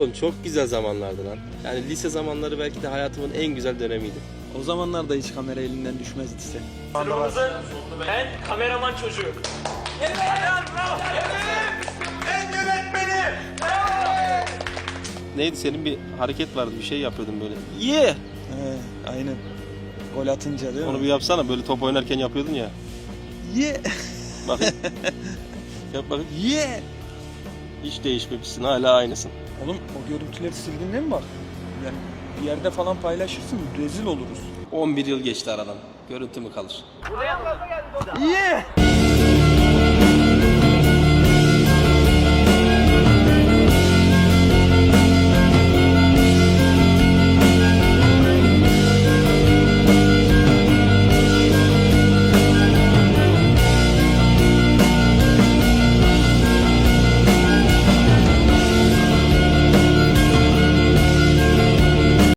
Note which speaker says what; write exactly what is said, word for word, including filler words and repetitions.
Speaker 1: Oğlum çok güzel zamanlardı lan. Yani lise zamanları belki de hayatımın en güzel dönemiydi.
Speaker 2: O zamanlarda hiç kamera elinden düşmezdi sen.
Speaker 3: Sınıfımızın en kameraman çocuğu. Evet! Bravo! Evet! En yönetmeni!
Speaker 1: Neydi senin bir hareket vardı, bir şey yapıyordun böyle.
Speaker 2: Ye! Yeah! He, aynen. Gol atınca değil
Speaker 1: Onu
Speaker 2: mi?
Speaker 1: bir yapsana, böyle top oynarken yapıyordun ya.
Speaker 2: Ye! Yeah!
Speaker 1: Bakayım. Yap bakayım.
Speaker 2: Ye! Yeah!
Speaker 1: Hiç değişmemişsin, hala aynısın.
Speaker 2: Oğlum o görüntüleri sildiğinde mi bak? Yani bir yerde falan paylaşırsın, rezil oluruz.
Speaker 1: on bir yıl geçti aradan. Görüntü mü kalır?
Speaker 2: Ye! Yeah!